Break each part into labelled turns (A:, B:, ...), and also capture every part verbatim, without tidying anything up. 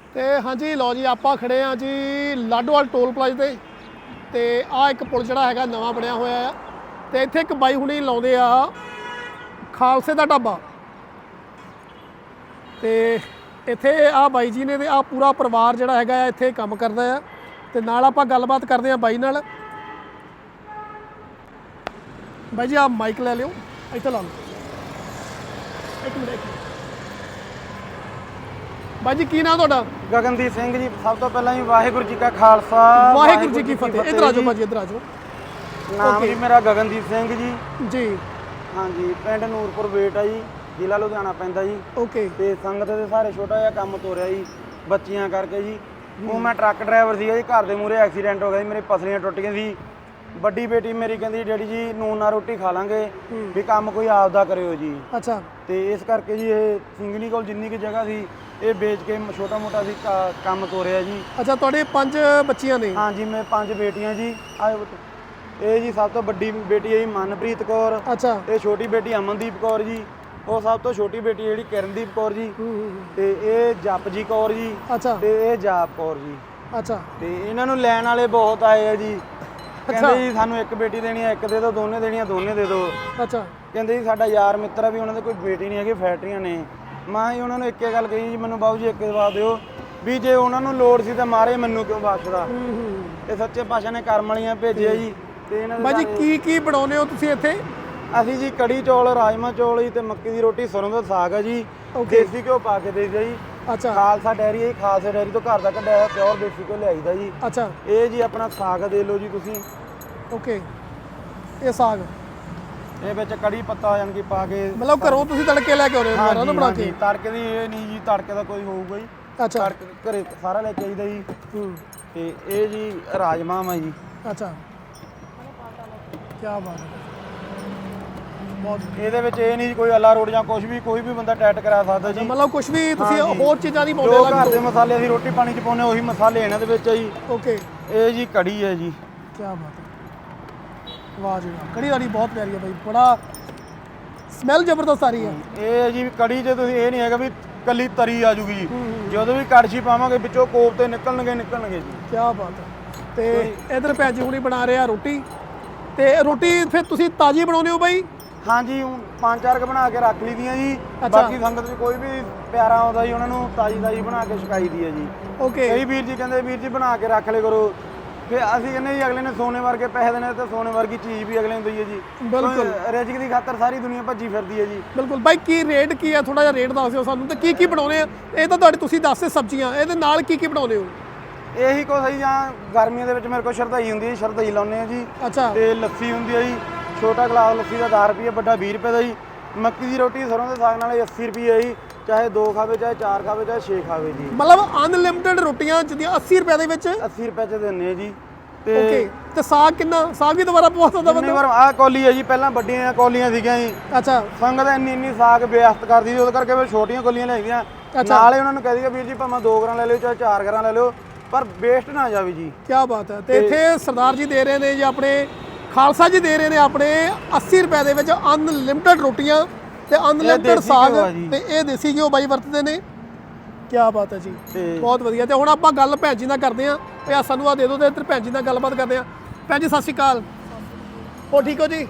A: ਤੇ ਹਾਂਜੀ ਲਓ ਜੀ ਆਪਾਂ ਖੜੇ ਆ ਜੀ ਲਾਡੋਵਾਲ ਟੋਲ ਪਲਾਜ਼ਾ ਤੇ ਤੇ ਆ ਇੱਕ ਪੁਲ ਜਿਹੜਾ ਹੈਗਾ ਨਵਾਂ ਬਣਿਆ ਹੋਇਆ ਆ ਤੇ ਇੱਥੇ ਇੱਕ ਬਾਈ ਹੁਣੀ ਲਾਉਂਦੇ ਆ ਖਾਲਸੇ ਦਾ ਢਾਬਾ ਤੇ ਇੱਥੇ ਆ ਬਾਈ ਜੀ ਨੇ ਤੇ ਆ ਪੂਰਾ ਪਰਿਵਾਰ ਜਿਹੜਾ ਹੈਗਾ ਇੱਥੇ ਕੰਮ ਕਰਦਾ ਆ ਤੇ ਨਾਲ ਆਪਾਂ ਗੱਲਬਾਤ ਕਰਦੇ ਆ ਬਾਈ ਨਾਲ। ਬਾਈ ਜੀ ਆ ਮਾਈਕ ਲੈ ਲਿਓ ਇੱਥੇ ਲਾ ਲਓ ਇੱਕ ਮਿੰਟ ਇੱਕ ਮਿੰਟ। ਬਾਈ ਜੀ ਕੀ ਨਾਮ ਤੁਹਾਡਾ?
B: ਗਗਨਦੀਪ ਸਿੰਘ ਜੀ। ਸਭ ਤੋਂ ਪਹਿਲਾਂ ਜੀ ਵਾਹਿਗੁਰੂ ਜੀ ਕਾ ਖਾਲਸਾ
A: ਵਾਹਿਗੁਰੂ ਜੀ ਕੀ ਫਤਿਹ। ਇੱਧਰ ਆ ਜਾਓ ਬਾਜੀ ਇੱਧਰ ਆ ਜਾਓ।
B: ਨਾਮ ਜੀ ਮੇਰਾ ਗਗਨਦੀਪ ਸਿੰਘ ਜੀ।
A: ਜੀ
B: ਹਾਂਜੀ ਪਿੰਡ ਨੂਰਪੁਰ ਵੇਟ ਆ ਜੀ, ਜ਼ਿਲ੍ਹਾ ਲੁਧਿਆਣਾ ਪੈਂਦਾ ਜੀ।
A: ਓਕੇ
B: ਤੇ ਸੰਗਤ ਦੇ ਸਾਰੇ ਛੋਟਾ ਜਿਹਾ ਕੰਮ ਤੋਰਿਆ ਜੀ ਬੱਚੀਆਂ ਕਰਕੇ ਜੀ। ਉਹ ਮੈਂ ਟਰੱਕ ਡਰਾਈਵਰ ਸੀਗਾ ਜੀ, ਘਰ ਦੇ ਮੂਹਰੇ ਐਕਸੀਡੈਂਟ ਹੋ ਗਿਆ ਜੀ, ਮੇਰੇ ਪਸਲੀਆਂ ਟੁੱਟ ਗਈਆਂ ਸੀ। ਵੱਡੀ ਬੇਟੀ ਮੇਰੀ ਕਹਿੰਦੀ ਡੈਡੀ ਜੀ ਨੂਨ ਨਾਲ ਰੋਟੀ ਖਾ ਲਾਂਗੇ ਵੀ ਕੰਮ ਕੋਈ ਆਪਦਾ ਕਰਿਓ ਜੀ।
A: ਅੱਛਾ
B: ਤੇ ਇਸ ਕਰਕੇ ਜੀ ਇਹ ਸਿੰਘਣੀ ਕੋਲ ਜਿੰਨੀ ਕੁ ਜਗ੍ਹਾ ਸੀ ਇਹ ਵੇਚ ਕੇ ਛੋਟਾ ਮੋਟਾ ਸੀ ਕੰਮ ਤੋਰਿਆ ਜੀ।
A: ਅੱਛਾ ਤੁਹਾਡੇ ਪੰਜ ਬੱਚੀਆਂ ਨੇ?
B: ਹਾਂਜੀ ਮੈਂ ਪੰਜ ਬੇਟੀਆਂ ਜੀ। ਇਹ ਜੀ ਸਭ ਤੋਂ ਵੱਡੀ ਬੇਟੀ ਹੈ ਜੀ ਮਨਪ੍ਰੀਤ ਕੌਰ।
A: ਅੱਛਾ
B: ਤੇ ਛੋਟੀ ਬੇਟੀ ਅਮਨਦੀਪ ਕੌਰ ਜੀ। ਉਹ ਸਭ ਤੋਂ ਛੋਟੀ ਬੇਟੀ ਜਿਹੜੀ ਕਿਰਨਦੀਪ ਕੌਰ ਜੀ। ਤੇ ਇਹ ਜਪਜੀ ਕੌਰ ਜੀ।
A: ਅੱਛਾ
B: ਤੇ ਇਹ ਜਾਪ ਕੌਰ ਜੀ।
A: ਅੱਛਾ
B: ਤੇ ਇਹਨਾਂ ਨੂੰ ਲੈਣ ਵਾਲੇ ਬਹੁਤ ਆਏ ਆ ਜੀ। ਕਹਿੰਦੇ ਜੀ ਸਾਨੂੰ ਇੱਕ ਬੇਟੀ ਦੇਣੀ ਆ, ਇੱਕ ਦੇ ਦਿਓ, ਦੋਨੇ ਦੇਣੀਆਂ ਦੋਨੇ ਦੇ ਦਿਓ।
A: ਅੱਛਾ
B: ਕਹਿੰਦੇ ਜੀ ਸਾਡਾ ਯਾਰ ਮਿੱਤਰ ਆ ਵੀ ਉਹਨਾਂ ਦੇ ਕੋਈ ਬੇਟੀ ਨਹੀਂ ਹੈਗੀ, ਫੈਕਟਰੀਆਂ ਨੇ। ਮੈਂ ਹੀ ਉਹਨਾਂ ਨੂੰ ਇੱਕੇ ਗੱਲ ਕਹੀ ਜੀ ਮੈਨੂੰ ਬਾਬੂ ਜੀ ਇੱਕ ਜਵਾਬ ਦਿਓ ਵੀ ਜੇ ਉਹਨਾਂ ਨੂੰ ਲੋੜ ਸੀ ਤਾਂ ਮਾਰੇ ਮੈਨੂੰ ਕਿਉਂ ਬਖਸ਼ਦਾ। ਇਹ ਸੱਚੇ ਪਾਤਸ਼ਾਹ ਨੇ ਕਰਮ ਵਾਲੀਆਂ ਭੇਜਿਆ ਜੀ। ਤੇ ਇਹਨਾਂ
A: ਬਾਜੀ ਕੀ ਕੀ ਬਣਾਉਂਦੇ ਹੋ ਤੁਸੀਂ ਇੱਥੇ?
B: ਅਸੀਂ ਜੀ ਕੜੀ ਚੌਲ, ਰਾਜਮਾ ਚੌਲ ਜੀ ਤੇ ਮੱਕੀ ਦੀ ਰੋਟੀ, ਸਰੋਂ ਦਾ ਸਾਗ ਆ ਜੀ। ਦੇਸੀ ਘਿਓ ਪਾ ਕੇ ਦੇਈਦਾ ਜੀ।
A: ਅੱਛਾ
B: ਖਾਲਸਾ ਡੈਰੀ ਹੈ, ਖਾਲਸਾ ਡੈਰੀ ਤੋਂ ਘਰ ਦਾ ਕੱਢਿਆ ਹੋਇਆ ਪਿਓਰ ਦੇਸੀ ਘਿਓ ਲਿਆਈਦਾ ਜੀ।
A: ਅੱਛਾ
B: ਇਹ ਜੀ ਆਪਣਾ ਸਾਗ ਦੇ ਲਓ ਜੀ ਤੁਸੀਂ।
A: ਓਕੇ ਇਹ ਸਾਗ
B: ਇਹ ਵਿੱਚ ਕੜੀ ਪੱਤਾ ਯਾਨੀ ਕਿ ਪਾ ਕੇ
A: ਮਤਲਬ ਘਰੋਂ ਤੁਸੀਂ ਤੜਕੇ ਲੈ ਕੇ ਆਉਂਦੇ ਹੋ ਨਾ ਬਣਾ ਕੇ?
B: ਤੜਕੇ ਦੀ ਇਹ ਨਹੀਂ ਜੀ, ਤੜਕੇ ਦਾ ਕੋਈ ਹੋਊਗਾ ਜੀ।
A: ਅੱਛਾ
B: ਤੜਕੇ ਘਰੇ ਸਾਰਾ ਲੈ ਕੇ ਆਈਦਾ ਜੀ।
A: ਹੂੰ
B: ਤੇ ਇਹ ਜੀ ਰਾਜਮਾ ਆ ਜੀ।
A: ਅੱਛਾ ਕੀ ਬਾਤ ਹੈ। ਬਹੁਤ
B: ਇਹਦੇ ਵਿੱਚ ਇਹ ਨਹੀਂ ਕੋਈ ਅੱਲਾ ਰੋੜ ਜਾਂ ਕੁਝ ਵੀ ਕੋਈ ਵੀ ਬੰਦਾ ਟੈਟ ਕਰਾ ਸਕਦਾ ਜੀ।
A: ਮਤਲਬ ਕੁਝ ਵੀ ਤੁਸੀਂ ਹੋਰ ਚੀਜ਼ਾਂ ਨਹੀਂ ਪਾਉਂਦੇ?
B: ਜੋ ਘਰ ਦੇ ਮਸਾਲੇ ਅਸੀਂ ਰੋਟੀ ਪਾਣੀ ਚ ਪਾਉਂਦੇ ਉਹੀ ਮਸਾਲੇ ਇਹਨਾਂ ਦੇ ਵਿੱਚ ਆ ਜੀ।
A: ਓਕੇ
B: ਇਹ ਜੀ ਕੜੀ ਹੈ ਜੀ।
A: ਕੀ ਬਾਤ ਹੈ, ਵਾਹ ਜੀ ਵਾਹ। ਕੜੀ ਵਾਲੀ ਬਹੁਤ ਪਿਆਰੀ ਹੈ ਬਾਈ, ਬੜਾ ਸਮੈਲ ਜ਼ਬਰਦਸਤ ਆ ਰਹੀ ਹੈ।
B: ਇਹ ਜੀ ਕੜੀ ਜੇ ਤੁਸੀਂ ਇਹ ਨਹੀਂ ਹੈਗਾ ਵੀ ਕੱਲੀ ਤਰੀ ਆ ਜੂਗੀ ਜੀ, ਜਦੋਂ ਵੀ ਕੜਛੀ ਪਾਵਾਂਗੇ ਵਿੱਚੋਂ ਕੋਫਤੇ ਨਿਕਲਣਗੇ ਨਿਕਲਣਗੇ ਜੀ।
A: ਕੀ ਬਾਤ ਹੈ। ਤੇ ਇਧਰ ਭੈਣ ਜੀ ਹੁਣੀ ਬਣਾ ਰਿਹਾ ਰੋਟੀ। ਤੇ ਰੋਟੀ ਫਿਰ ਤੁਸੀਂ ਤਾਜ਼ੀ ਬਣਾਉਂਦੇ ਹੋ ਬਾਈ?
B: ਹਾਂਜੀ ਪੰਜ ਚਾਰ ਕ ਬਣਾ ਕੇ ਰੱਖ ਲਈਆਂ ਜੀ। ਬਾਕੀ ਸੰਗਤ ਚ ਕੋਈ ਵੀ ਪਿਆਰਾ ਆਉਂਦਾ ਜੀ ਉਹਨਾਂ ਨੂੰ ਤਾਜ਼ੀ ਤਾਜ਼ੀ ਬਣਾ ਕੇ ਛਕਾਈ ਦੀ ਹੈ ਜੀ।
A: ਓਕੇ
B: ਕਈ ਵੀਰ ਜੀ ਕਹਿੰਦੇ ਵੀਰ ਜੀ ਬਣਾ ਕੇ ਰੱਖ ਲੈ ਕਰੋ। ਫਿਰ ਅਸੀਂ ਕਹਿੰਦੇ ਜੀ ਅਗਲੇ ਨੇ ਸੋਨੇ ਵਰਗੇ ਪੈਸੇ ਦੇਣੇ ਤੇ ਸੋਨੇ ਵਰਗੀ ਚੀਜ਼ ਵੀ ਅਗਲੇ ਨੂੰ ਦਈਏ ਜੀ।
A: ਬਿਲਕੁਲ
B: ਰਿਜ਼ਕ ਦੀ ਖਾਤਰ ਸਾਰੀ ਦੁਨੀਆ ਭੱਜੀ ਫਿਰਦੀ ਹੈ ਜੀ।
A: ਬਿਲਕੁਲ ਬਾਈ ਕੀ ਰੇਟ ਕੀ ਹੈ? ਥੋੜਾ ਜਿਹਾ ਰੇਟ ਦੱਸ ਦਿਓ ਸਾਨੂੰ। ਤੇ ਕੀ ਕੀ ਬਣਾਉਂਦੇ ਆ? ਇਹ ਤਾਂ ਤੁਹਾਡੇ ਤੁਸੀਂ ਦੱਸਦੇ ਸਬਜ਼ੀਆਂ, ਇਹਦੇ ਨਾਲ ਕੀ ਕੀ ਬਣਾਉਂਦੇ ਹੋ?
B: ਇਹੀ ਕੁਛ ਸਹੀ ਜਾਂ ਗਰਮੀਆਂ ਦੇ ਵਿੱਚ ਮੇਰੇ ਕੋਲ ਸ਼ਰਧਾਈ ਹੁੰਦੀ ਹੈ, ਸ਼ਰਧਾਈ ਲਾਉਂਦੇ ਆ ਜੀ।
A: ਅੱਛਾ
B: ਤੇ ਲੱਸੀ ਹੁੰਦੀ ਹੈ ਜੀ। ਛੋਟਾ ਗਲਾਸ ਲੱਸੀ ਦਾ ਦਸ ਰੁਪਏ, ਵੱਡਾ ਵੀਹ ਰੁਪਏ ਦਾ ਜੀ। ਮੱਕੀ ਦੀ ਰੋਟੀ ਸਰੋਂ ਦੇ ਸਾਗ ਨਾਲ ਅੱਸੀ ਰੁਪਏ ਜੀ। ਚਾਹੇ ਦੋ ਖਾਵੇ, ਚਾਹੇ ਚਾਰ ਖਾਵੇ, ਚਾਹੇ ਛੇ ਖਾਵੇ ਜੀ।
A: ਮਤਲਬ ਅਨਲਿਮਿਟਿਡ ਰੋਟੀਆਂ ਜਿਹੜੀਆਂ ਅੱਸੀ ਰੁਪਏ ਦੇ ਵਿੱਚ?
B: ਅੱਸੀ ਰੁਪਏ ਚ ਦਿੰਦੇ ਆ ਜੀ। ਤੇ
A: ਓਕੇ ਤੇ ਸਾਗ ਕਿੰਨਾ? ਸਾਗ ਵੀ ਦੁਬਾਰਾ ਪਵਾ ਸਕਦਾ ਬੰਦਾ?
B: ਵਾਰ ਆਹ ਕੌਲੀ ਹੈ ਜੀ, ਪਹਿਲਾਂ ਵੱਡੀਆਂ ਕੌਲੀਆਂ ਸੀਗੀਆਂ ਜੀ।
A: ਅੱਛਾ
B: ਸੰਗਤ ਇੰਨੀ ਇੰਨੀ ਸਾਗ ਬੇਅਸਤ ਕਰਦੀ ਸੀ, ਉਹਦੇ ਕਰਕੇ ਫਿਰ ਛੋਟੀਆਂ ਕੌਲੀਆਂ ਲੈ ਗਈਆਂ। ਨਾਲੇ ਉਹਨਾਂ ਨੂੰ ਕਹਿ ਦਈਏ ਵੀਰ ਜੀ ਭਾਵੇਂ ਦੋ ਗ੍ਰਾਮ ਲੈ ਲਿਓ ਚਾਹੇ ਚਾਰ ਗ੍ਰਾਮ ਲੈ ਲਿਓ, ਪਰ ਵੇਸਟ ਨਾ ਜਾਵੇ ਜੀ।
A: ਕੀ ਬਾਤ ਹੈ। ਤੇ ਇੱਥੇ ਸਰਦਾਰ ਜੀ ਦੇ ਰਹੇ ਨੇ ਜੀ, ਆਪਣੇ ਖਾਲਸਾ ਜੀ ਦੇ ਰਹੇ ਨੇ ਆਪਣੇ ਅੱਸੀ ਰੁਪਏ ਦੇ ਵਿੱਚ ਅਨਲਿਮਿਟਿਡ ਰੋਟੀਆਂ ਤੇ ਅਨਲਿਮਿਟਿਡ ਸਾਗ। ਤੇ ਇਹ ਦੇਸੀ ਘਿਓ ਬਾਈ ਵਰਤਦੇ ਨੇ। ਕੀ ਬਾਤ ਹੈ ਜੀ, ਬਹੁਤ ਵਧੀਆ। ਤੇ ਹੁਣ ਆਪਾਂ ਗੱਲ ਭੈਣ ਜੀ ਨਾਲ ਕਰਦੇ ਹਾਂ। ਤੇ ਆ ਸਾਨੂੰ ਆ ਦੇ ਦਿਓ ਤੇ ਇੱਧਰ ਭੈਣ ਜੀ ਨਾਲ ਗੱਲਬਾਤ ਕਰਦੇ ਹਾਂ। ਭੈਣ ਜੀ ਸਤਿ ਸ਼੍ਰੀ ਅਕਾਲ। ਹੋ ਠੀਕ ਹੋ ਜੀ?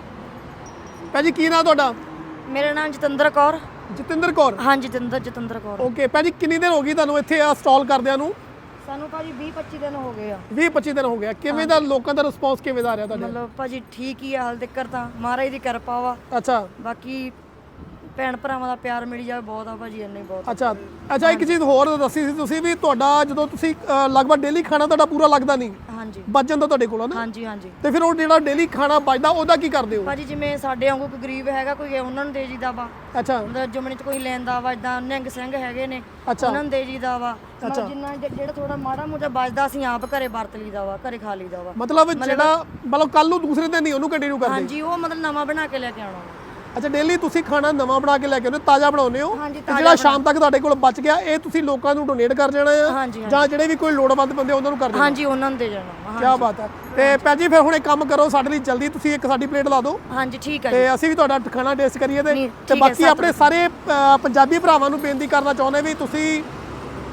A: ਭੈਣ ਜੀ ਕੀ ਨਾਮ ਤੁਹਾਡਾ?
C: ਮੇਰਾ ਨਾਮ ਜਤਿੰਦਰ ਕੌਰ।
A: ਜਤਿੰਦਰ ਕੌਰ?
C: ਹਾਂ ਜਤਿੰਦਰ ਜਤਿੰਦਰ ਕੌਰ।
A: ਓਕੇ ਭੈਣ ਜੀ ਕਿੰਨੀ ਦਿਨ ਹੋ ਗਈ ਤੁਹਾਨੂੰ ਇੱਥੇ ਆ ਸਟਾਲ ਕਰਦਿਆਂ ਨੂੰ?
C: ਸਾਨੂੰ ਭਾਜੀ ਵੀਹ ਪੱਚੀ ਦਿਨ ਹੋ ਗਏ ਆ।
A: ਵੀਹ ਪੱਚੀ ਦਿਨ ਹੋ ਗਿਆ। ਕਿਵੇਂ ਦਾ ਲੋਕਾਂ ਦਾ ਰਿਸਪੌਂਸ ਕਿਵੇਂ ਦਾ ਆ ਰਿਹਾ ਤੁਹਾਡੇ?
C: ਮਤਲਬ ਭਾਜੀ ਠੀਕ ਹੀ ਆ ਹਾਲ ਤੱਕ ਤਾਂ, ਮਹਾਰਾਜ ਦੀ ਕਿਰਪਾ ਵਾ।
A: ਅੱਛਾ
C: ਬਾਕੀ ਭੈਣ ਭਰਾਵਾਂ ਦਾ ਪਿਆਰ ਮਿਲੀ ਜਾਵੇ ਬਹੁਤ ਆ ਭਾਜੀ, ਇੰਨੇ ਬਹੁਤ।
A: ਅੱਛਾ ਅੱਛਾ ਇੱਕ ਚੀਜ਼ ਹੋਰ ਦੱਸੀ ਸੀ ਤੁਸੀਂ ਵੀ ਤੁਹਾਡਾ ਜਦੋਂ ਤੁਸੀਂ ਲਗਭਗ ਡੇਲੀ ਖਾਣਾ ਤੁਹਾਡਾ ਪੂਰਾ ਲੱਗਦਾ ਨਹੀਂ?
C: ਹਾਂਜੀ
A: ਬਚ ਜਾਂਦਾ ਤੁਹਾਡੇ ਕੋਲ ਨਾ?
C: ਹਾਂਜੀ ਹਾਂਜੀ।
A: ਤੇ ਫਿਰ ਉਹ ਜਿਹੜਾ ਡੇਲੀ ਖਾਣਾ ਬਚਦਾ ਉਹਦਾ ਕੀ ਕਰਦੇ ਹੋ?
C: ਭਾਜੀ ਜਿਵੇਂ ਸਾਡੇ ਵਾਂਗੂ ਕੋਈ ਗਰੀਬ ਹੈਗਾ ਕੋਈ, ਉਹਨਾਂ ਨੂੰ ਦੇ ਜੀਦਾ ਵਾ।
A: ਅੱਛਾ
C: ਮਤਲਬ ਜਮਣੇ ਚ ਕੋਈ ਲੈਂਦਾ ਵਾ, ਇਦਾਂ ਨਿਹੰਗ ਸਿੰਘ ਹੈਗੇ ਨੇ ਉਹਨਾਂ ਨੂੰ ਦੇ ਜੀਦਾ ਵਾ। ਮਤਲਬ ਜਿੰਨਾ ਜਿਹੜਾ ਥੋੜਾ ਮਾੜਾ ਮੋਟਾ ਬਚਦਾ ਅਸੀਂ ਆਪ ਘਰੇ ਵਰਤ ਲਈਦਾ ਵਾ, ਘਰੇ ਖਾ ਲਈਦਾ ਵਾ।
A: ਮਤਲਬ ਜਿਹੜਾ ਮਤਲਬ ਕੱਲ ਨੂੰ ਦੂਸਰੇ ਦਿਨ ਨਹੀਂ ਉਹਨੂੰ ਕੰਟੀਨਿਊ ਕਰਦੇ?
C: ਹਾਂਜੀ ਉਹ ਮਤਲਬ ਨਵਾਂ ਬਣਾ ਕੇ ਲੈ ਕੇ ਆਉਣਾ।
A: ਅੱਛਾ ਡੇਲੀ ਤੁਸੀਂ ਖਾਣਾ ਨਵਾਂ ਬਣਾ ਕੇ ਲੈ ਕੇ ਆਉਂਦੇ ਹੋ, ਤਾਜ਼ਾ ਬਣਾਉਂਦੇ ਹੋ?
C: ਹਾਂਜੀ
A: ਜਿਹੜਾ ਸ਼ਾਮ ਤੱਕ ਤੁਹਾਡੇ ਕੋਲ ਬਚ ਗਿਆ ਇਹ ਤੁਸੀਂ ਲੋਕਾਂ ਨੂੰ ਡੋਨੇਟ ਕਰ ਜਾਣਾ ਆ
C: ਹਾਂਜੀ
A: ਜਾਂ ਜਿਹੜੇ ਵੀ ਕੋਈ ਲੋੜਵੰਦ ਬੰਦੇ ਉਹਨਾਂ ਨੂੰ ਕਰ ਦੇਣਾ?
C: ਹਾਂਜੀ ਉਹਨਾਂ ਨੂੰ ਦੇ ਜਾਣਾ।
A: ਕੀ ਬਾਤ ਹੈ। ਤੇ ਭੈਣ ਜੀ ਫਿਰ ਹੁਣ ਇੱਕ ਕੰਮ ਕਰੋ ਸਾਡੇ ਲਈ ਜਲਦੀ, ਤੁਸੀਂ ਇੱਕ ਸਾਡੀ ਪਲੇਟ ਲਾ ਦਿਓ।
C: ਹਾਂਜੀ ਠੀਕ ਹੈ।
A: ਤੇ ਅਸੀਂ ਵੀ ਤੁਹਾਡਾ ਖਾਣਾ ਟੇਸਟ ਕਰੀਏ। ਤੇ ਤੇ ਬਾਕੀ ਆਪਣੇ ਸਾਰੇ ਪੰਜਾਬੀ ਭਰਾਵਾਂ ਨੂੰ ਬੇਨਤੀ ਕਰਨਾ ਚਾਹੁੰਦੇ ਵੀ ਤੁਸੀਂ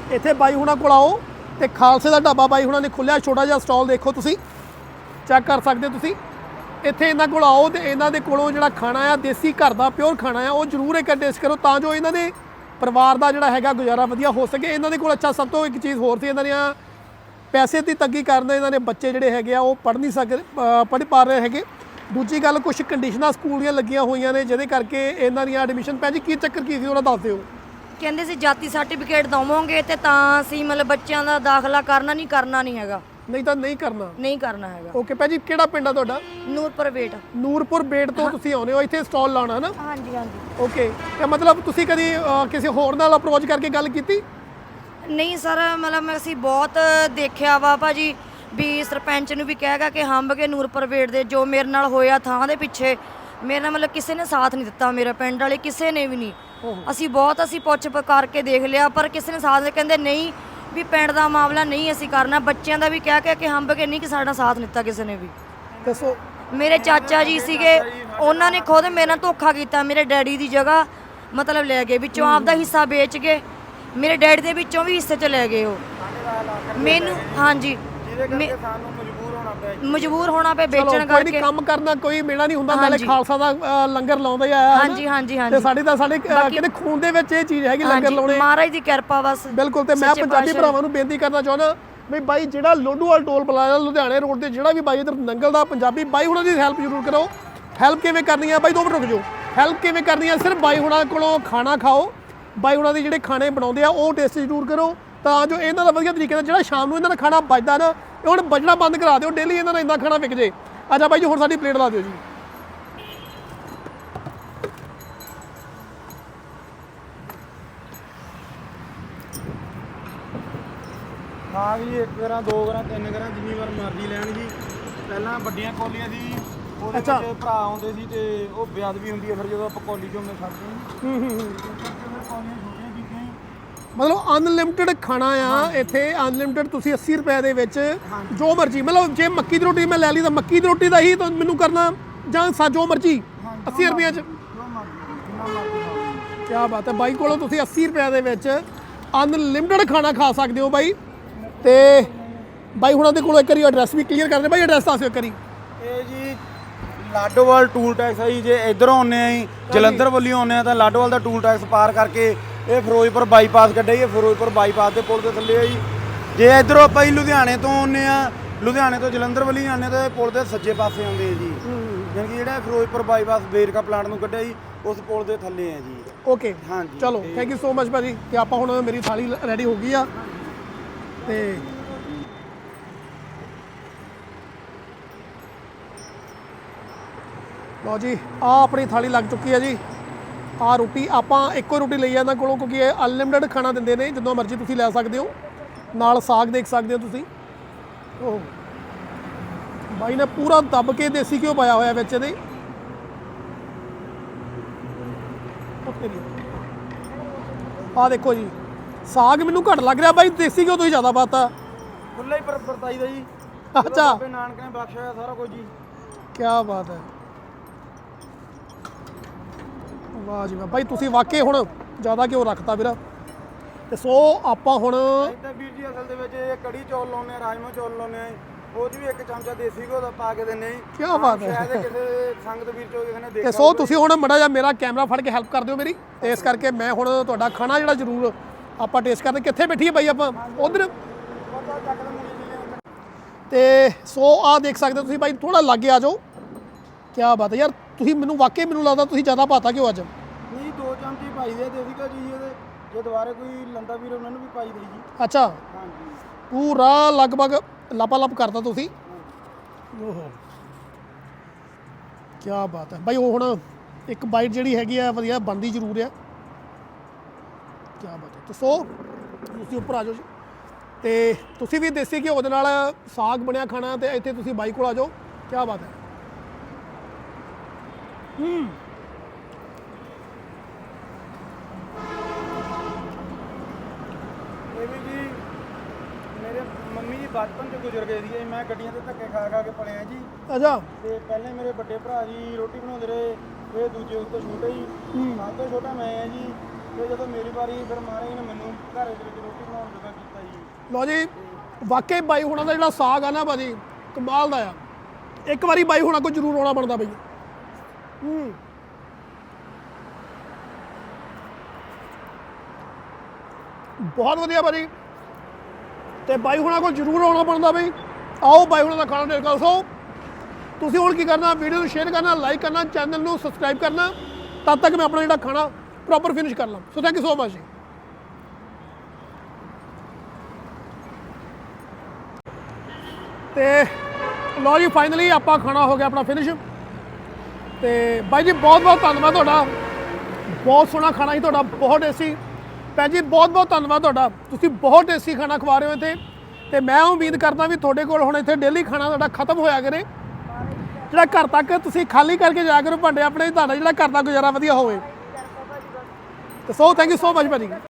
A: ਇੱਥੇ ਬਾਈ ਹੁਣਾਂ ਕੋਲ ਆਓ ਤੇ ਖਾਲਸੇ ਦਾ ਢਾਬਾ ਬਾਈ ਹੁਣਾਂ ਨੇ ਖੁੱਲਿਆ, ਛੋਟਾ ਜਿਹਾ ਸਟਾਲ ਦੇਖੋ ਤੁਸੀਂ, ਚੈੱਕ ਕਰ ਸਕਦੇ ਹੋ ਤੁਸੀਂ। ਇੱਥੇ ਇਹਨਾਂ ਕੋਲ ਆਓ ਤੇ ਇਹਨਾਂ ਦੇ ਕੋਲੋਂ ਜਿਹੜਾ ਖਾਣਾ ਆ ਦੇਸੀ ਘਰ ਦਾ ਪਿਓਰ ਖਾਣਾ ਆ ਉਹ ਜ਼ਰੂਰ ਇੱਕ ਟੇਸਟ ਕਰੋ, ਤਾਂ ਜੋ ਇਹਨਾਂ ਦੇ ਪਰਿਵਾਰ ਦਾ ਜਿਹੜਾ ਹੈਗਾ ਗੁਜ਼ਾਰਾ ਵਧੀਆ ਹੋ ਸਕੇ। ਇਹਨਾਂ ਦੇ ਕੋਲ ਅੱਛਾ ਸਭ ਤੋਂ ਇੱਕ ਚੀਜ਼ ਹੋਰ ਸੀ, ਇਹਨਾਂ ਦੀਆਂ ਪੈਸੇ ਦੀ ਤੰਗੀ ਕਾਰਨ ਇਹਨਾਂ ਦੇ ਬੱਚੇ ਜਿਹੜੇ ਹੈਗੇ ਆ ਉਹ ਪੜ੍ਹ ਨਹੀਂ ਸਕਦੇ, ਪੜ੍ਹ ਪਾ ਰਹੇ ਹੈਗੇ। ਦੂਜੀ ਗੱਲ, ਕੁਝ ਕੰਡੀਸ਼ਨਾਂ ਸਕੂਲ ਦੀਆਂ ਲੱਗੀਆਂ ਹੋਈਆਂ ਨੇ ਜਿਹਦੇ ਕਰਕੇ ਇਹਨਾਂ ਦੀਆਂ ਐਡਮਿਸ਼ਨ ਭੈਣ ਜੀ ਕੀ ਚੱਕਰ ਕੀ ਸੀ ਉਹਨਾਂ ਦੱਸ ਦਿਓ।
C: ਕਹਿੰਦੇ ਸੀ ਜਾਤੀ ਸਰਟੀਫਿਕੇਟ ਦਵਾਂਗੇ ਤੇ ਤਾਂ ਅਸੀਂ ਮਤਲਬ ਬੱਚਿਆਂ ਦਾ ਦਾਖਲਾ ਕਰਨਾ ਨਹੀਂ ਕਰਨਾ ਨਹੀਂ ਹੈਗਾ,
A: ਨਹੀਂ ਤਾਂ ਨਹੀਂ ਕਰਨਾ
C: ਨਹੀਂ ਕਰਨਾ ਹੈਗਾ।
A: ਓਕੇ ਭੈਣ ਜੀ, ਕਿਹੜਾ ਪਿੰਡ ਆ ਤੁਹਾਡਾ?
C: ਨੂਰਪੁਰ ਵੇਟ।
A: ਨੂਰਪੁਰ ਬੇਟ ਤੋਂ ਤੁਸੀਂ ਆਉਂਦੇ ਹੋ ਇੱਥੇ ਸਟਾਲ ਲਾਉਣਾ ਨਾ?
C: ਹਾਂਜੀ ਹਾਂਜੀ।
A: ਓਕੇ, ਤੇ ਮਤਲਬ ਤੁਸੀਂ ਕਦੀ ਅ, ਕਿਸੇ ਹੋਰ ਨਾਲ ਅਪਰੋਚ ਕਰਕੇ ਗੱਲ ਕੀਤੀ?
C: ਨਹੀਂ ਸਰ, ਮਤਲਬ ਅਸੀਂ ਬਹੁਤ ਦੇਖਿਆ ਵਾ ਭਾਜੀ ਵੀ ਸਰਪੰਚ ਨੂੰ ਵੀ ਕਹੇਗਾ ਕਿ ਹੰਬ ਕੇ ਨੂਰਪੁਰ ਵੇਟ ਦੇ ਜੋ ਮੇਰੇ ਨਾਲ ਹੋਇਆ ਥਾਂ ਦੇ ਪਿੱਛੇ ਮੇਰੇ ਨਾਲ ਮਤਲਬ ਕਿਸੇ ਨੇ ਸਾਥ ਨਹੀਂ ਦਿੱਤਾ, ਮੇਰੇ ਪਿੰਡ ਵਾਲੇ ਕਿਸੇ ਨੇ ਵੀ ਨਹੀਂ। ਅਸੀਂ ਬਹੁਤ ਅਸੀਂ ਪੁੱਛ ਕਰਕੇ ਦੇਖ ਲਿਆ ਪਰ ਕਿਸੇ ਨੇ ਸਾਥ ਨਹੀਂ, ਕਹਿੰਦੇ ਨਹੀਂ ਵੀ ਪਿੰਡ ਦਾ ਮਾਮਲਾ ਨਹੀਂ ਅਸੀਂ ਕਰਨਾ। ਬੱਚਿਆਂ ਦਾ ਵੀ ਕਹਿ ਕਹਿ ਕੇ ਹੰਬ ਕੇ ਨਹੀਂ ਕਿ ਸਾਡਾ ਸਾਥ ਦਿੱਤਾ ਕਿਸੇ ਨੇ ਵੀ।
A: ਦੱਸੋ।
C: ਮੇਰੇ ਚਾਚਾ ਜੀ ਸੀਗੇ, ਉਹਨਾਂ ਨੇ ਖੁਦ ਮੇਰੇ ਨਾਲ ਧੋਖਾ ਕੀਤਾ, ਮੇਰੇ ਡੈਡੀ ਦੀ ਜਗ੍ਹਾ ਮਤਲਬ ਲੈ ਗਏ, ਵਿੱਚੋਂ ਆਪਦਾ ਹਿੱਸਾ ਵੇਚ ਕੇ ਮੇਰੇ ਡੈਡੀ ਦੇ ਵਿੱਚੋਂ ਵੀ ਹਿੱਸੇ ਚ ਲੈ ਗਏ ਉਹ ਮੈਨੂੰ। ਹਾਂਜੀ,
B: ਸਾਨੂੰ ਮਜਬੂਰ ਹੋਣਾ ਪਿਆ ਜੀ।
C: ਮਜਬੂਰ ਹੋਣਾ ਪਿਆ
A: ਚਲੋ,
C: ਵੇਚਣ
A: ਕੋਈ ਨਹੀਂ,
C: ਕਰਕੇ।
A: ਕੰਮ ਕਰਨਾ ਕੋਈ ਮੇਲਾ ਨਹੀਂ ਹੁੰਦਾ, ਨਾਲੇ ਖਾਲਸਾ ਦਾ ਅ, ਲੰਗਰ ਲਾਉਂਦਾ ਹੀ ਆਇਆ।
C: ਹਾਂਜੀ ਹਾਂਜੀ
A: ਤੇ
C: ਹਾਂਜੀ।
A: ਸਾਡੀ ਤਾਂ ਸਾਡੇ ਅ, ਕਹਿੰਦੇ ਖੂਨ ਦੇ ਵਿੱਚ ਇਹ ਚੀਜ਼ ਹੈਗੀ ਲੰਗਰ ਲਾਉਣੇ।
C: ਮਹਾਰਾਜ ਦੀ ਕਿਰਪਾ ਬਸ।
A: ਬਿਲਕੁਲ, ਤੇ ਮੈਂ ਪੰਜਾਬੀ ਭਰਾਵਾਂ ਨੂੰ ਬੇਨਤੀ ਕਰਨਾ ਚਾਹੁੰਦਾ ਵੀ ਬਾਈ ਜਿਹੜਾ ਲੋਡੂਵਾਲ ਟੋਲ ਪਲਾਜ਼ਾ ਲੁਧਿਆਣੇ ਰੋਡ ਤੇ ਜਿਹੜਾ ਵੀ ਬਾਈ ਇਧਰ ਨੰਗਲ ਦਾ ਪੰਜਾਬੀ ਬਾਈ ਹੁਣਾਂ ਦੀ ਹੈਲਪ ਜ਼ਰੂਰ ਕਰੋ। ਹੈਲਪ ਕਿਵੇਂ ਕਰਨੀ ਆ ਬਾਈ? ਦੋ ਮਿੰਟ ਰੁਕ ਜਾਓ। ਹੈਲਪ ਕਿਵੇਂ ਕਰਨੀ ਆ? ਸਿਰਫ ਬਾਈ ਹੁਣਾਂ ਕੋਲੋਂ ਖਾਣਾ ਖਾਓ, ਬਾਈ ਹੁਣਾਂ ਦੇ ਜਿਹੜੇ ਖਾਣੇ ਬਣਾਉਂਦੇ ਆ ਉਹ ਟੇਸਟ ਜ਼ਰੂਰ ਕਰੋ, ਤਾਂ ਜੋ ਇਹਨਾਂ ਦਾ ਵਧੀਆ ਤਰੀਕੇ ਨਾਲ ਜਿਹੜਾ ਸ਼ਾਮ ਨੂੰ ਇਹਨਾਂ ਦਾ ਖਾਣਾ ਬਚਦਾ ਨਾ ਇਹ ਹੁਣ ਬਚਣਾ ਬੰਦ ਕਰਾ ਦਿਓ, ਡੇਲੀ ਇਹਨਾਂ ਦਾ ਇੰਨਾ ਖਾਣਾ ਵਿਕ ਜੇ। ਅੱਛਾ ਬਾਈ ਜੀ, ਹੁਣ ਸਾਡੀ ਪਲੇਟ ਲਾ ਦਿਓ ਜੀ।
B: ਖਾ ਵੀ ਇੱਕ ਗਰਾਂ ਦੋ ਗਰਾਂ ਤਿੰਨ ਗਰਾਂ ਜਿੰਨੀ ਵਾਰ ਮਰਜ਼ੀ ਲੈਣ ਜੀ। ਪਹਿਲਾਂ ਵੱਡੀਆਂ ਕੌਲੀਆਂ ਦੀ ਉਹਦੇ
A: ਅੱਛਾ।
B: ਵਿੱਚ ਭਰਾ ਆਉਂਦੇ ਸੀ ਤੇ ਉਹ ਬੇਅਦਬੀ ਹੁੰਦੀ ਹੈ, ਫਿਰ ਜਦੋਂ ਆਪਾਂ ਕੌਲੀ ਚੋਂ ਮੈਂ ਛੱਡਦੇ ਹਾਂ
A: ਹੂੰ ਹੂੰ ਹੂੰ।
B: ਫਿਰ ਕੌਲੀਆਂ ਛੋਟੀਆਂ ਕੀਤੀਆਂ ਜੀ।
A: ਮਤਲਬ ਅਨਲਿਮਿਟਿਡ ਖਾਣਾ ਆ ਇੱਥੇ, ਅਨਲਿਮਿਟਿਡ ਤੁਸੀਂ ਅੱਸੀ ਰੁਪਏ ਦੇ ਵਿੱਚ ਜੋ ਮਰਜ਼ੀ, ਮਤਲਬ ਜੇ ਮੱਕੀ ਦੀ ਰੋਟੀ ਮੈਂ ਲੈ ਲਈ ਤਾਂ ਮੱਕੀ ਦੀ ਰੋਟੀ ਦਾ ਹੀ ਤਾਂ ਮੈਨੂੰ ਕਰਨਾ, ਜਾਂ ਸਾ ਜੋ ਮਰਜ਼ੀ ਅੱਸੀ ਰੁਪਏ 'ਚ।
B: ਜੋ ਮਰਜ਼ੀ ਜਿੰਨਾ ਮਰਜ਼ੀ ਖਾਓ।
A: ਕਿਆ ਬਾਤ ਹੈ ਬਾਈ ਕੋਲੋਂ ਤੁਸੀਂ ਅੱਸੀ ਰੁਪਏ ਦੇ ਵਿੱਚ ਅਨਲਿਮਿਟਿਡ ਖਾਣਾ ਖਾ ਸਕਦੇ ਹੋ ਬਾਈ। ਤੇ ਬਾਈ ਹੁਣਾਂ ਦੇ ਕੋਲੋਂ ਇੱਕ ਵਾਰੀ ਐਡਰੈਸ ਵੀ ਕਲੀਅਰ ਕਰਦੇ ਬਾਈ, ਐਡਰੈਸ ਦੱਸਿਓ ਇੱਕ ਵਾਰੀ।
B: ਇਹ ਜੀ ਲਾਡੋਵਾਲ ਟੂਲ ਟੈਕਸ ਹੈ ਜੀ। ਜੇ ਇਧਰੋਂ ਆਉਂਦੇ ਆ ਜੀ ਜਲੰਧਰ ਵੱਲੋਂ ਆਉਂਦੇ ਆ ਤਾਂ ਲਾਡੋਵਾਲ ਦਾ ਟੂਲ ਟੈਕਸ ਪਾਰ ਕਰਕੇ ਇਹ ਫਿਰੋਜ਼ਪੁਰ ਬਾਈਪਾਸ ਕੱਢਿਆ ਜੀ। ਇਹ ਫਿਰੋਜ਼ਪੁਰ ਬਾਈਪਾਸ ਦੇ ਪੁਲ ਦੇ ਥੱਲੇ ਆ ਜੀ। ਜੇ ਇਧਰੋਂ ਆਪਾਂ ਜੀ ਲੁਧਿਆਣੇ ਤੋਂ ਆਉਂਦੇ ਆ, ਲੁਧਿਆਣੇ ਤੋਂ ਜਲੰਧਰ ਵੱਲੋਂ ਆਉਂਦੇ ਤਾਂ ਇਹ ਪੁਲ ਦੇ ਸੱਜੇ ਪਾਸੇ ਆਉਂਦੇ ਆ ਜੀ। ਯਾਨੀ ਕਿ ਜਿਹੜਾ ਫਿਰੋਜ਼ਪੁਰ ਬਾਈਪਾਸ ਵੇਰਕਾ ਪਲਾਂਟ ਨੂੰ ਕੱਢਿਆ ਜੀ ਉਸ ਪੁਲ ਦੇ ਥੱਲੇ ਆ ਜੀ।
A: ਓਕੇ,
B: ਹਾਂਜੀ,
A: ਚਲੋ ਥੈਂਕ ਯੂ ਸੋ ਮਚ ਭਾਜੀ। ਤੇ ਆਪਾਂ ਹੁਣ ਮੇਰੀ ਥਾਲੀ ਰੈਡੀ ਹੋ ਗਈ ਆ ਤੇ ਲਓ ਜੀ, ਆ ਆਪਣੀ ਥਾਲੀ ਲੱਗ ਚੁੱਕੀ ਹੈ ਜੀ। ਆ ਰੋਟੀ ਆਪਾਂ ਇੱਕੋ ਰੋਟੀ ਲਈ ਆ ਇਹਨਾਂ ਕੋਲੋਂ ਕਿਉਂਕਿ ਇਹ ਅਨਲਿਮਿਟਿਡ ਖਾਣਾ ਦਿੰਦੇ ਨੇ, ਜਦੋਂ ਮਰਜ਼ੀ ਤੁਸੀਂ ਲੈ ਸਕਦੇ ਹੋ। ਨਾਲ ਸਾਗ ਦੇਖ ਸਕਦੇ ਹੋ ਤੁਸੀਂ। ਉਹ ਬਾਈ ਨੇ ਪੂਰਾ ਦੱਬ ਕੇ ਦੇਸੀ ਘਿਓ ਪਾਇਆ ਹੋਇਆ ਵਿੱਚ ਇਹਦੇ। ਆ ਦੇਖੋ ਜੀ, ਸਾਗ ਮੈਨੂੰ ਘੱਟ ਲੱਗ ਰਿਹਾ ਬਾਈ, ਦੇਸੀ ਘਿਓ ਤੁਸੀਂ ਜ਼ਿਆਦਾ ਪਾਤਾ।
B: ਖੁੱਲਾ ਹੀ ਪਰ ਵਰਤਾਈ ਦਾ ਜੀ।
A: ਅੱਛਾ,
B: ਬਾਬੇ ਨਾਨਕ ਨੇ ਬਖਸ਼ਿਆ ਹੋਇਆ ਸਾਰਾ ਕੁਝ ਜੀ।
A: ਕੀ ਬਾਤ ਹੈ, ਵਾਹ ਜੀ ਵਾਹ ਬਾਈ, ਤੁਸੀਂ ਵਾਕਈ ਹੁਣ ਜ਼ਿਆਦਾ ਘਿਓ ਰੱਖਤਾ ਵੀਰਾ। ਤੇ ਸੋ ਆਪਾਂ ਹੁਣ
B: ਤਾਂ ਵੀਰ ਜੀ ਅਸਲ ਦੇ ਵਿੱਚ ਇਹ ਕੜੀ ਚੌਲ ਲਾਉਂਦੇ ਆ, ਰਾਜਮਾ ਚੌਲ ਲਾਉਂਦੇ ਆ, ਉਹ 'ਚ ਵੀ ਇੱਕ ਚਮਚਾ ਦੇਸੀ ਘਿਓ ਦਾ ਪਾ ਕੇ ਦਿੰਦੇ ਆ ਜੀ।
A: ਕੀ ਬਾਤ ਹੈ।
B: ਸ਼ਾਇਦ ਕਿਸੇ ਸੰਗਤ ਵੀਰ ਚੋਂ ਕਿਸੇ ਨੇ ਦੇਖਿਆ
A: ਤੇ ਸੋ ਤੁਸੀਂ ਹੁਣ ਮੜਾ ਜਿਹਾ ਮੇਰਾ ਕੈਮਰਾ ਫੜ ਕੇ ਹੈਲਪ ਕਰ ਦਿਓ ਮੇਰੀ, ਤੇ ਇਸ ਕਰਕੇ ਮੈਂ ਹੁਣ ਤੁਹਾਡਾ ਖਾਣਾ ਜਿਹੜਾ ਜ਼ਰੂਰ ਆਪਾਂ ਟੇਸਟ ਕਰਦੇ। ਕਿੱਥੇ ਬੈਠੀਏ ਬਾਈ ਆਪਾਂ? ਉਧਰ। ਤੇ ਸੋ ਆਹ ਦੇਖ ਸਕਦੇ ਹੋ ਤੁਸੀਂ ਬਾਈ, ਥੋੜਾ ਲਾਗੇ ਆ ਜਾਓ। ਕੀ ਬਾਤ ਹੈ ਯਾਰ, ਤੁਸੀਂ ਮੈਨੂੰ ਵਾਕਈ ਮੈਨੂੰ ਲੱਗਦਾ ਤੁਸੀਂ ਜ਼ਿਆਦਾ ਪਾਤਾ ਕਿਉਂ ਅੱਜ?
B: ਨਹੀਂ, ਦੋ ਚਮਚੇ ਪਾਈ ਦੇ ਦੇਸੀ ਘਿਓ ਜੀ ਇਹਦੇ। ਜੇ ਦੁਬਾਰੇ ਕੋਈ ਲੰਦਾ ਵੀਰ ਉਹਨਾਂ ਨੂੰ ਵੀ ਪਾਈ ਦੇ ਜੀ।
A: ਅੱਛਾ,
B: ਹਾਂਜੀ,
A: ਪੂਰਾ ਲਗਭਗ ਲਾਪਾਲਾਪ ਕਰਤਾ ਤੁਸੀਂ। ਓਹੋ, ਕੀ ਬਾਤ ਹੈ ਬਾਈ। ਉਹ ਹੁਣ ਇੱਕ ਬਾਈਟ ਜਿਹੜੀ ਹੈਗੀ ਆ ਵਧੀਆ ਬਣਦੀ ਜ਼ਰੂਰ ਆ। ਕੀ ਬਾਤ ਹੈ। ਤੇ ਸੋ ਤੁਸੀਂ ਉੱਪਰ ਆ ਜਾਓ ਜੀ, ਤੇ ਤੁਸੀਂ ਵੀ ਦੇਸੀ ਘਿਓ ਦੇ ਨਾਲ ਸਾਗ ਬਣਿਆ ਖਾਣਾ ਤੇ ਇੱਥੇ ਤੁਸੀਂ ਬਾਈ ਕੋਲ ਆ ਜਾਓ। ਕੀ ਬਾਤ ਹੈ। ਹੂੰ,
B: ਇਹ ਵੀ ਜੀ ਮੇਰੇ ਮੰਮੀ ਜੀ ਬਚਪਨ 'ਚ ਗੁਜ਼ਰ ਗਏ ਸੀ। ਮੈਂ ਗੱਡੀਆਂ ਤੇ ਧੱਕੇ ਖਾ ਖਾ ਕੇ ਪਲਿਆ ਜੀ।
A: ਅੱਛਾ,
B: ਤੇ ਪਹਿਲੇ ਮੇਰੇ ਵੱਡੇ ਭਰਾ ਜੀ ਰੋਟੀ ਬਣਾਉਂਦੇ ਰਹੇ, ਇਹ ਦੂਜੇ ਉਸ ਤੋਂ ਛੋਟੇ ਜੀ, ਸਭ ਤੋਂ ਛੋਟਾ ਮੈਂ ਆ ਜੀ। ਤੇ ਜਦੋਂ ਮੇਰੀ ਵਾਰੀ ਫਿਰ ਮਹਾਰਾਜ ਨੇ ਮੈਨੂੰ ਘਰ ਦੇ ਵਿੱਚ ਰੋਟੀ ਬਣਾਉਣ ਦਾ ਕੀਤਾ ਜੀ।
A: ਲਓ ਜੀ ਵਾਕਈ ਬਾਈ ਹੁਣਾਂ ਦਾ ਜਿਹੜਾ ਸਾਗ ਆ ਨਾ ਭਾਜੀ ਕਮਾਲ ਦਾ ਆ। ਇੱਕ ਵਾਰੀ ਬਾਈ ਹੁਣਾਂ ਕੋਲ ਜ਼ਰੂਰ ਆਉਣਾ ਬਣਦਾ ਬਈ। ਹੂੰ ਬਹੁਤ ਵਧੀਆ ਭਾਜੀ, ਤੇ ਬਾਈ ਹੁਣਾਂ ਕੋਲ ਜ਼ਰੂਰ ਆਉਣਾ ਬਣਦਾ ਬਈ। ਆਓ ਬਾਈ ਹੁਣਾਂ ਦਾ ਖਾਣਾ ਟੇਸਟ ਕਰੋ। ਸੋ ਤੁਸੀਂ ਹੁਣ ਕੀ ਕਰਨਾ, ਵੀਡੀਓ ਨੂੰ ਸ਼ੇਅਰ ਕਰਨਾ, ਲਾਈਕ ਕਰਨਾ, ਚੈਨਲ ਨੂੰ ਸਬਸਕ੍ਰਾਈਬ ਕਰਨਾ, ਤਦ ਤੱਕ ਮੈਂ ਆਪਣਾ ਜਿਹੜਾ ਖਾਣਾ ਪ੍ਰੋਪਰ ਫਿਨਿਸ਼ ਕਰ ਲਾਂ। So thank you so much ji. ਤੇ ਲਓ ਜੀ ਫਾਈਨਲੀ ਆਪਾਂ ਖਾਣਾ ਹੋ ਗਿਆ ਆਪਣਾ ਫਿਨਿਸ਼। ਤੇ ਬਾਈ ਜੀ ਬਹੁਤ ਬਹੁਤ ਧੰਨਵਾਦ ਤੁਹਾਡਾ, ਬਹੁਤ ਸੋਹਣਾ ਖਾਣਾ ਸੀ ਤੁਹਾਡਾ, ਬਹੁਤ ਟੇਸਟੀ। ਭੈਣ ਜੀ ਬਹੁਤ ਬਹੁਤ ਧੰਨਵਾਦ ਤੁਹਾਡਾ, ਤੁਸੀਂ ਬਹੁਤ ਟੇਸਟੀ ਖਾਣਾ ਖਵਾ ਰਹੇ ਹੋ ਇੱਥੇ। ਤੇ ਮੈਂ ਉਮੀਦ ਕਰਦਾ ਵੀ ਤੁਹਾਡੇ ਕੋਲ ਹੁਣ ਇੱਥੇ ਡੇਲੀ ਖਾਣਾ ਤੁਹਾਡਾ ਖਤਮ ਹੋਇਆ ਕਰੇ, ਜਿਹੜਾ ਘਰ ਤੱਕ ਤੁਸੀਂ ਖਾਲੀ ਕਰਕੇ ਜਾਇਆ ਕਰੋ ਭਾਂਡੇ ਆਪਣੇ, ਤੁਹਾਡਾ ਜਿਹੜਾ ਘਰ ਦਾ ਗੁਜ਼ਾਰਾ ਵਧੀਆ ਹੋਵੇ। ਤੇ so thank you so much ਭਾਜੀ।